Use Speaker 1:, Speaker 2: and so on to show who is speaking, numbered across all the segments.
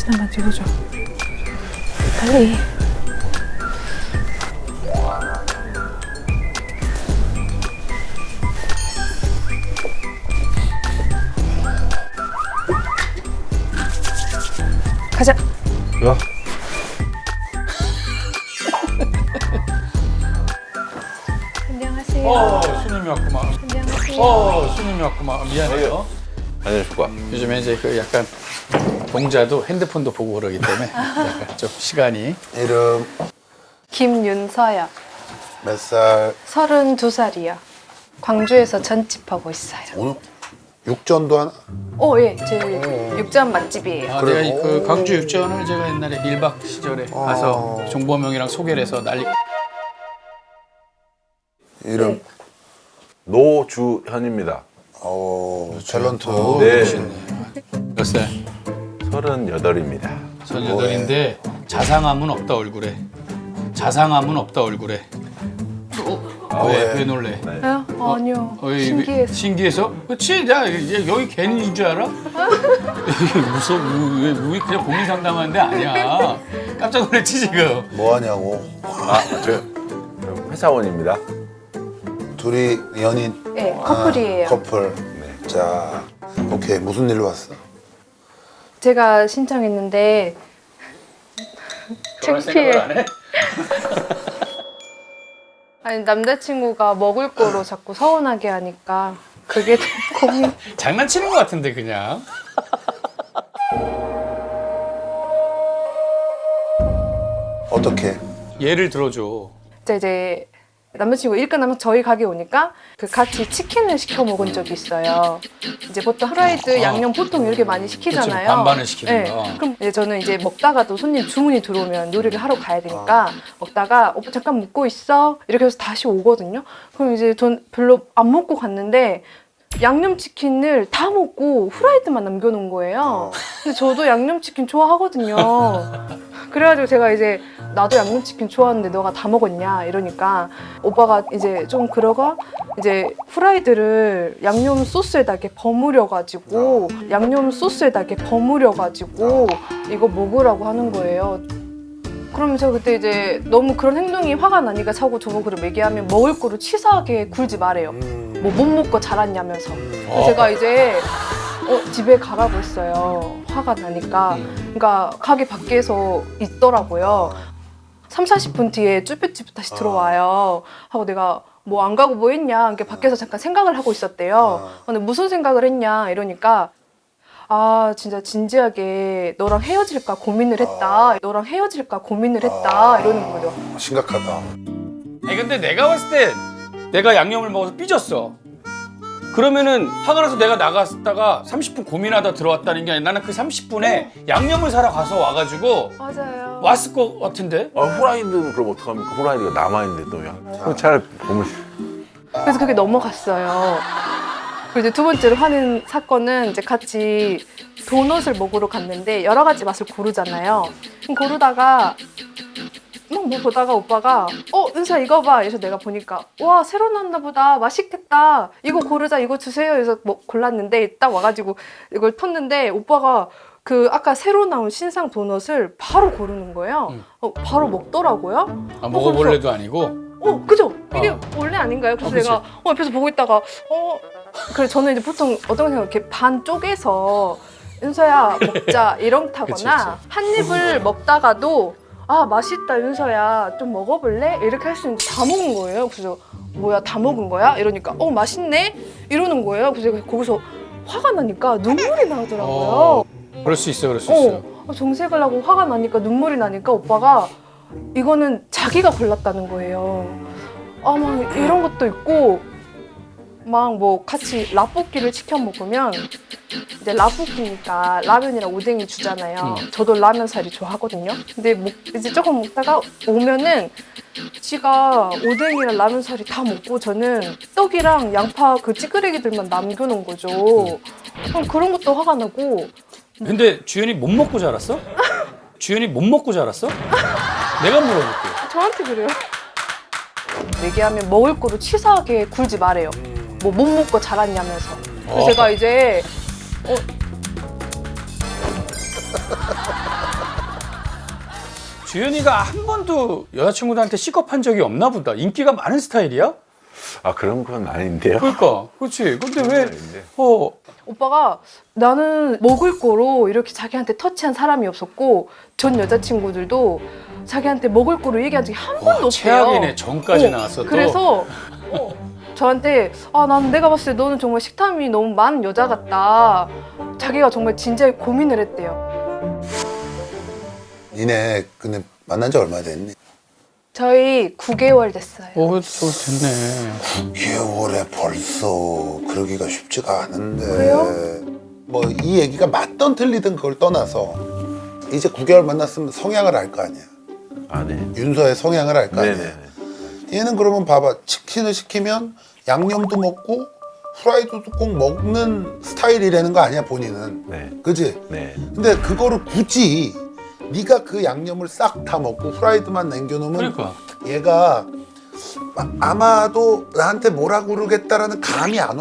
Speaker 1: 사진만 찍어줘. 빨리. 가자.
Speaker 2: 야.
Speaker 1: 안녕하세요.
Speaker 3: 손님이 왔구만.
Speaker 1: 안녕하세요.
Speaker 3: 손님이 왔구만. 미안해요.
Speaker 2: 안녕하십니까.
Speaker 3: 요즘에 이제 그 약간 동자도 핸드폰도 보고 그러기 때문에 약간 좀 시간이.
Speaker 4: 이름
Speaker 1: 김윤서요.
Speaker 4: 몇 살?
Speaker 1: 32살이요. 광주에서 전집하고 있어요.
Speaker 4: 오늘 육전도 하나?
Speaker 1: 예. 제 육전 맛집이에요.
Speaker 3: 아,
Speaker 4: 그래.
Speaker 3: 내가 그
Speaker 4: 오.
Speaker 3: 광주 육전을 제가 옛날에 1박 시절에 가서 종범형이랑 소개를 해서 난리.
Speaker 4: 이름
Speaker 2: 노주현입니다.
Speaker 4: 탤런트.
Speaker 2: 네.
Speaker 3: 몇 살?
Speaker 2: 38입니다.
Speaker 3: 18인데 자상함은 없다 얼굴에. 자상함은 없다 얼굴에. 왜 놀래?
Speaker 1: 아니요.
Speaker 3: 신기해서.
Speaker 1: 신기해서.
Speaker 3: 신기해서? 그치? 나 여기 괜히인 줄 알아? 이게 무서워. 우리 그냥 고민 상담하는데 아니야. 깜짝 놀랐지 지금.
Speaker 4: 뭐 하냐고.
Speaker 2: 저 회사원입니다.
Speaker 4: 둘이 연인?
Speaker 1: 네, 커플이에요.
Speaker 4: 커플. 네. 자, 오케이. 무슨 일로 왔어?
Speaker 1: 제가 신청했는데 창피해.
Speaker 3: 해?
Speaker 1: 아니 남자친구가 먹을 거로 자꾸 서운하게 하니까 그게 좀 고민.
Speaker 3: 장난치는 것 같은데 그냥.
Speaker 4: 어떻게?
Speaker 3: 예를 들어줘.
Speaker 1: 이제 남자친구 일 끝나면 저희 가게 오니까 그 같이 치킨을 시켜 먹은 적이 있어요. 이제 보통 프라이드 양념 보통 이렇게 많이 시키잖아요.
Speaker 3: 그치, 반반을 시키는 거.
Speaker 1: 그럼 이제 저는 이제 먹다가도 손님 주문이 들어오면 요리를 하러 가야 되니까 먹다가 오빠 잠깐 먹고 있어 이렇게 해서 다시 오거든요. 그럼 이제 전 별로 안 먹고 갔는데 양념치킨을 다 먹고 후라이드만 남겨놓은 거예요. 근데 저도 양념치킨 좋아하거든요. 그래가지고 제가 이제 나도 양념치킨 좋아하는데 너가 다 먹었냐 이러니까 오빠가 이제 좀 그러가 이제 후라이드를 양념 소스에다 이렇게 버무려가지고 이거 먹으라고 하는 거예요. 그러면 제가 그때 이제 너무 그런 행동이 화가 나니까 자꾸 저보고 그럼 얘기하면 먹을 거로 치사하게 굴지 말아요. 뭐 못 먹고 자랐냐면서. 그래서 제가 이제 집에 가라고 했어요. 화가 나니까. 그러니까 가게 밖에서 있더라고요. 3, 40분 뒤에 쭈뼛쭈뼛 다시 들어와요. 하고 내가 뭐 안 가고 뭐 했냐. 이렇게 밖에서 잠깐 생각을 하고 있었대요. 근데 무슨 생각을 했냐 이러니까 아 진짜 진지하게 너랑 헤어질까 고민을 했다. 이러는 거죠.
Speaker 4: 심각하다.
Speaker 3: 아니 근데 내가 봤을 때 내가 양념을 먹어서 삐졌어. 그러면은 화가 나서 내가 나갔다가 30분 고민하다 들어왔다는 게 아니라 나는 그 30분에 양념을 사러 가서 와가지고
Speaker 1: 맞아요.
Speaker 3: 왔을 것 같은데?
Speaker 2: 후라이드는 그럼 어떡합니까? 후라이드가 남아있는데 또 그럼 차라리 보면
Speaker 1: 그래서 그게 넘어갔어요. 그리고 이제 두 번째로 하는 사건은 이제 같이 도넛을 먹으러 갔는데 여러 가지 맛을 고르잖아요. 그럼 고르다가 뭐 보다가 오빠가 은사 이거 봐. 그래서 내가 보니까 와 새로 나왔나 보다. 맛있겠다. 이거 고르자. 이거 주세요. 그래서 뭐 골랐는데 딱 와가지고 이걸 텄는데 오빠가 그 아까 새로 나온 신상 도넛을 바로 고르는 거예요. 바로 먹더라고요.
Speaker 3: 아, 먹어볼래도 아니고?
Speaker 1: 그죠? 이게 원래 아닌가요? 그래서 내가 옆에서 보고 있다가 그래 저는 이제 보통 어떤 생각 이렇게 반 쪼개서 윤서야 먹자 이렇다거나 한 입을 먹다가도 아 맛있다 윤서야 좀 먹어볼래? 이렇게 할 수 있는데 다 먹은 거예요. 그래서 뭐야 다 먹은 거야? 이러니까 맛있네? 이러는 거예요. 그래서 제가 거기서 화가 나니까 눈물이 나더라고요.
Speaker 3: 그럴 수 있어, 그럴 수 있어.
Speaker 1: 정색을 하고 화가 나니까 눈물이 나니까 오빠가 이거는 자기가 골랐다는 거예요. 막 이런 것도 있고 막 뭐 같이 라볶이를 시켜 먹으면 이제 라볶이니까 라면이랑 오뎅이 주잖아요. 저도 라면 사리 좋아하거든요. 근데 이제 조금 먹다가 오면은 지가 오뎅이랑 라면 사리 다 먹고 저는 떡이랑 양파 그 찌끄레기들만 남겨놓은 거죠. 그런 것도 화가 나고.
Speaker 3: 근데 주연이 못 먹고 자랐어? 주연이 못 먹고 자랐어? 내가 물어볼게.
Speaker 1: 저한테 그래요. 얘기하면 먹을 거로 치사하게 굴지 말아요. 뭐 못 먹고 자랐냐면서. 그래서 제가 이제
Speaker 3: 주현이가 한 번도 여자친구들한테 C컵한 적이 없나 보다. 인기가 많은 스타일이야?
Speaker 2: 아 그런 건 아닌데요.
Speaker 3: 그러니까 그렇지. 근데 왜
Speaker 2: 아닌데.
Speaker 1: 오빠가 나는 먹을 거로 이렇게 자기한테 터치한 사람이 없었고 전 여자친구들도 자기한테 먹을 거로 얘기한 적이 한 번도 없어요.
Speaker 3: 최악이네. 전까지 나왔어. 또.
Speaker 1: 그래서 저한테 난 내가 봤을 때 너는 정말 식탐이 너무 많은 여자 같다. 자기가 정말 진지하게 고민을 했대요.
Speaker 4: 니네 근데 만난 지 얼마 됐니?
Speaker 1: 저희 9개월 됐어요.
Speaker 3: 저 됐네.
Speaker 4: 6개월에 벌써 그러기가 쉽지가 않은데.
Speaker 1: 그래요?
Speaker 4: 뭐 이 얘기가 맞던 틀리든 그걸 떠나서 이제 9개월 만났으면 성향을 알 거 아니야.
Speaker 2: 아 네.
Speaker 4: 윤서의 성향을 알 거 아니야.
Speaker 2: 네네.
Speaker 4: 얘는 그러면 봐봐, 치킨을 시키면 양념도 먹고 후라이드도 꼭 먹는 스타일이라는 거 아니야, 본인은.
Speaker 2: 네.
Speaker 4: 그지?
Speaker 2: 네.
Speaker 4: 근데 그거를 굳이 네가 그 양념을 싹 다 먹고 후라이드만 남겨놓으면
Speaker 3: 그러니까.
Speaker 4: 얘가 아마도 나한테 뭐라 그러겠다라는 감이 안 와?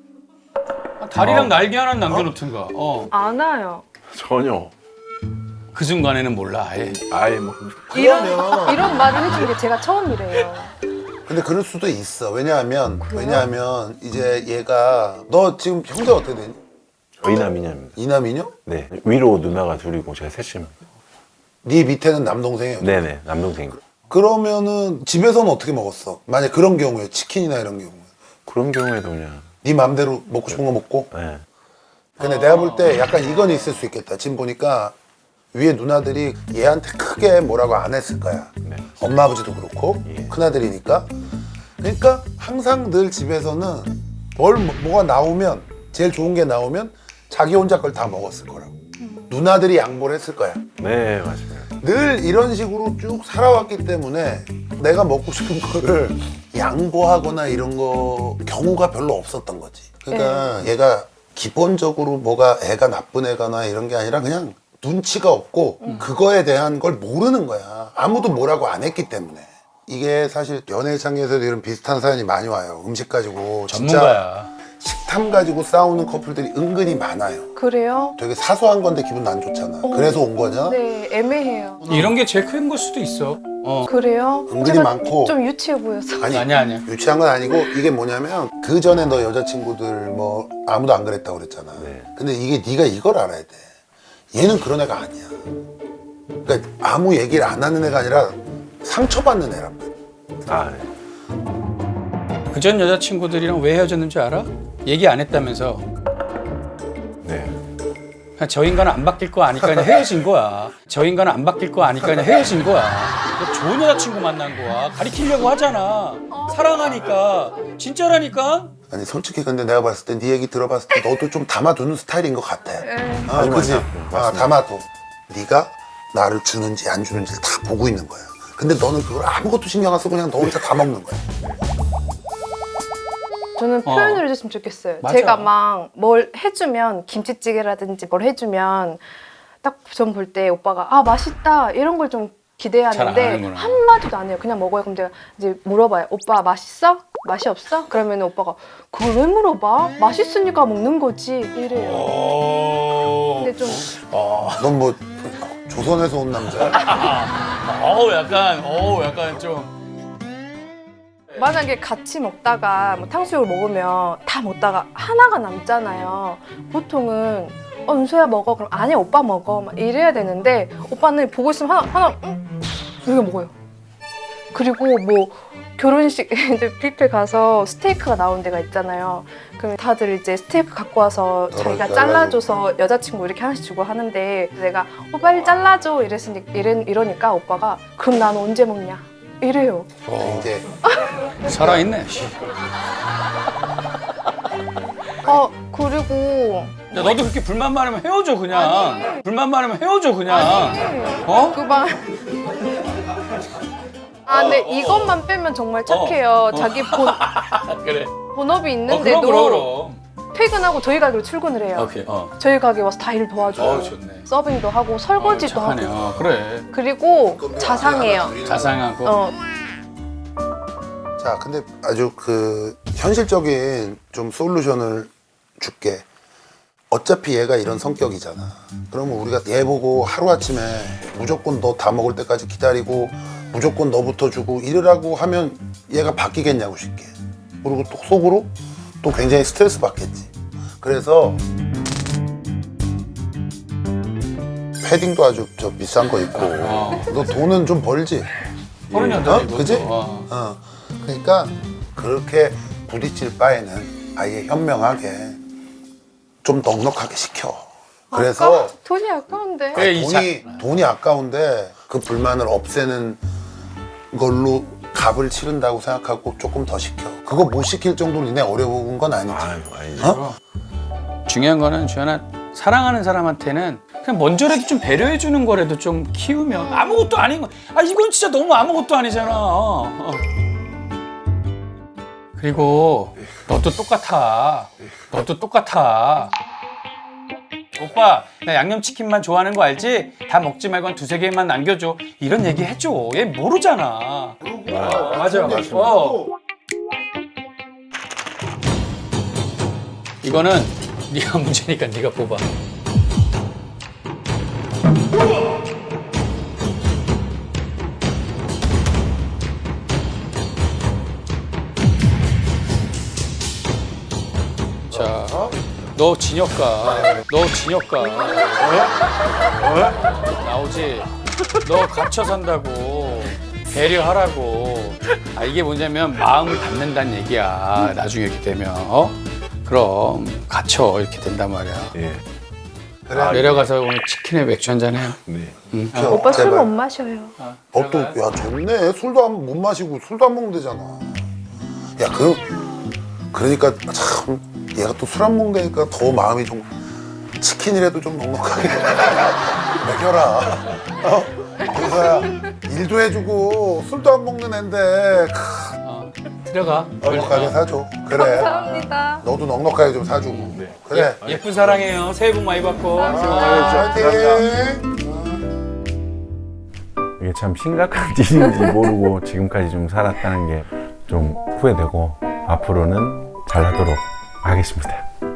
Speaker 3: 다리랑 날개 하나 남겨놓든가.
Speaker 1: 안 와요.
Speaker 2: 전혀.
Speaker 3: 그 순간에는 몰라. 아예.
Speaker 2: 아예 뭐.
Speaker 1: 이런 말을 해준 게 제가 처음이래요.
Speaker 4: 근데 그럴 수도 있어. 왜냐하면 이제 얘가 너 지금 형제 어떻게 되니?
Speaker 2: 이남이녀입니다.
Speaker 4: 이남이녀?
Speaker 2: 네. 위로 누나가 둘이고 제가 셋입니다.
Speaker 4: 네 밑에는 남동생이에요.
Speaker 2: 네네. 남동생.
Speaker 4: 그러면은 집에서는 어떻게 먹었어? 만약 그런 경우에 치킨이나 이런 경우에
Speaker 2: 그런 경우에도 그냥.
Speaker 4: 네 맘대로 먹고 싶은 거 먹고.
Speaker 2: 네.
Speaker 4: 근데 내가 볼 때 약간 이건 있을 수 있겠다. 지금 보니까 위에 누나들이 얘한테 크게 뭐라고 안 했을 거야.
Speaker 2: 네.
Speaker 4: 엄마 아버지도 그렇고
Speaker 2: 예.
Speaker 4: 큰아들이니까. 그러니까 항상 늘 집에서는 뭐가 나오면 제일 좋은 게 나오면 자기 혼자 걸 다 먹었을 거라고. 누나들이 양보를 했을 거야.
Speaker 2: 네 맞습니다.
Speaker 4: 늘 이런 식으로 쭉 살아왔기 때문에 내가 먹고 싶은 거를 양보하거나 이런 거 경우가 별로 없었던 거지. 그러니까 얘가 기본적으로 뭐가 애가 나쁜 애거나 이런 게 아니라 그냥 눈치가 없고 그거에 대한 걸 모르는 거야. 아무도 뭐라고 안 했기 때문에. 이게 사실 연애창에서도 이런 비슷한 사연이 많이 와요. 음식 가지고 진짜
Speaker 3: 전문가야.
Speaker 4: 식탐 가지고 싸우는 커플들이 은근히 많아요.
Speaker 1: 그래요?
Speaker 4: 되게 사소한 건데 기분 안 좋잖아. 그래서 온 거냐?
Speaker 1: 네, 애매해요.
Speaker 3: 이런 게 제일 큰 걸 수도 있어.
Speaker 1: 그래요?
Speaker 4: 은근히
Speaker 1: 제가
Speaker 4: 많고.
Speaker 1: 좀 유치해 보여서.
Speaker 3: 아니야.
Speaker 4: 유치한 건 아니고 이게 뭐냐면 그 전에 너 여자친구들 뭐 아무도 안 그랬다고 그랬잖아.
Speaker 2: 네.
Speaker 4: 근데 이게 네가 이걸 알아야 돼. 얘는 그런 애가 아니야. 그러니까 아무 얘기를 안 하는 애가 아니라 상처받는 애란 말이야.
Speaker 2: 아 네.
Speaker 3: 그전 여자친구들이랑 왜 헤어졌는지 알아? 얘기 안 했다면서.
Speaker 2: 네.
Speaker 3: 그냥 저 인간은 안 바뀔 거 아니까 그냥 헤어진 거야. 저 인간은 안 바뀔 거 아니까 그냥 헤어진 거야. 너 좋은 여자친구 만난 거야. 가리키려고 하잖아. 사랑하니까. 진짜라니까?
Speaker 4: 아니 솔직히 근데 내가 봤을 때 네 얘기 들어봤을 때 너도 좀 담아두는 스타일인 것 같아. 아, 그지?
Speaker 2: 맞습니다.
Speaker 4: 담아둬. 네가 나를 주는지 안 주는지를 다 보고 있는 거야. 근데 너는 그걸 아무것도 신경 안 쓰고 그냥 너 혼자 다 먹는 거야.
Speaker 1: 저는 표현을 해줬으면 좋겠어요.
Speaker 3: 맞아.
Speaker 1: 제가 막 뭘 해주면 김치찌개라든지 뭘 해주면 딱 전 볼 때 오빠가 맛있다 이런 걸 좀
Speaker 3: 잘
Speaker 1: 기대하는데
Speaker 3: 안 하는구나.
Speaker 1: 한마디도 안 해요. 그냥 먹어요. 그럼 제가 이제 물어봐요. 오빠 맛있어? 맛이 없어? 그러면 오빠가 그걸 왜 물어봐? 맛있으니까 먹는 거지 이래요. 근데 좀
Speaker 4: 넌 뭐 조선에서 온 남자야?
Speaker 3: 약간 좀.
Speaker 1: 만약에 같이 먹다가 뭐 탕수육을 먹으면 다 먹다가 하나가 남잖아요. 보통은 은수야 먹어. 그럼 아니 오빠 먹어. 막 이래야 되는데 오빠는 보고 있으면 하나 이렇게 먹어요. 그리고 뭐 결혼식 이제 뷔페 가서 스테이크가 나온 데가 있잖아요. 그럼 다들 이제 스테이크 갖고 와서 자기가 잘라줘서 여자친구 이렇게 하나씩 주고 하는데 내가 빨리 잘라줘 이러니까 오빠가 그럼 난 언제 먹냐 이래요.
Speaker 4: 이제
Speaker 3: 살아있네.
Speaker 1: 그리고
Speaker 3: 야, 너도 그렇게 불만 많으면 헤어져 그냥. 불만 많으면 헤어져 그냥.
Speaker 1: 그만. 근데 이것만 빼면 정말 착해요. 자기
Speaker 3: 그래.
Speaker 1: 본업이 있는데도
Speaker 3: 그럼.
Speaker 1: 퇴근하고 저희 가게로 출근을 해요.
Speaker 3: 오케이.
Speaker 1: 저희 가게 와서 다 일 도와줘요.
Speaker 3: 좋네.
Speaker 1: 서빙도 하고 설거지도
Speaker 3: 착하네.
Speaker 1: 하고.
Speaker 3: 그래.
Speaker 1: 그리고 자상해요.
Speaker 3: 자상하고.
Speaker 4: 자, 근데 아주 그 현실적인 좀 솔루션을 줄게. 어차피 얘가 이런 성격이잖아. 그러면 우리가 얘 보고 하루아침에 무조건 너 다 먹을 때까지 기다리고 무조건 너부터 주고 이러라고 하면 얘가 바뀌겠냐고 쉽게. 그리고 또 속으로 또 굉장히 스트레스 받겠지. 그래서 패딩도 아주 저 비싼 거 입고 너 돈은 좀 벌지?
Speaker 3: 38이고.
Speaker 4: 그지? 그러니까 그렇게 부딪힐 바에는 아예 현명하게 좀 넉넉하게 시켜. 그래서
Speaker 1: 돈이 아까운데.
Speaker 3: 그래, 이
Speaker 4: 돈이 아까운데 그 불만을 없애는 걸로 값을 치른다고 생각하고 조금 더 시켜. 그거 못 시킬 정도로 니네 어려운 건 아니지.
Speaker 2: 아유, 아니지.
Speaker 4: 어?
Speaker 3: 중요한 거는 주연아, 사랑하는 사람한테는 그냥 먼저라도 좀 배려해 주는 거라도 좀 키우면 아무것도 아닌 거. 아 이건 진짜 너무 아무것도 아니잖아. 그리고 너도 똑같아. 너도 똑같아. 오빠 나 양념치킨만 좋아하는 거 알지? 다 먹지 말고 한 2-3개만 남겨줘. 이런 얘기 해줘. 얘 모르잖아. 맞아. 이거는 네가 문제니까 네가 뽑아. 자, 너 진혁 가. 너 진혁 가. 나오지? 너 갇혀 산다고. 배려하라고. 아, 이게 뭐냐면 마음을 받는다는 얘기야. 나중에 이렇게 되면. 그럼 갇혀 이렇게 된단 말이야.
Speaker 2: 예.
Speaker 4: 그래.
Speaker 3: 내려가서 오늘 치킨에 맥주 한잔 해요.
Speaker 2: 네.
Speaker 1: 오빠 술
Speaker 4: 제발.
Speaker 1: 못 마셔요.
Speaker 4: 또, 야, 좋네. 술도 못 마시고 술도 안 먹으면 되잖아. 야, 그러니까 참, 얘가 또 술 안 먹으니까 더 마음이 좀, 치킨이라도 좀 넉넉하게 먹여라. 그래서야, 일도 해주고, 술도 안 먹는 앤데,
Speaker 3: 들어가.
Speaker 4: 넉넉하게 사줘. 그래.
Speaker 1: 감사합니다.
Speaker 4: 너도 넉넉하게 좀 사주고.
Speaker 2: 네.
Speaker 4: 그래.
Speaker 3: 예쁜 사랑해요. 새해 복 많이 받고.
Speaker 4: 파이팅!
Speaker 2: 이게 참 심각한 일인지 모르고 지금까지 좀 살았다는 게 좀 후회되고 앞으로는 잘하도록 하겠습니다.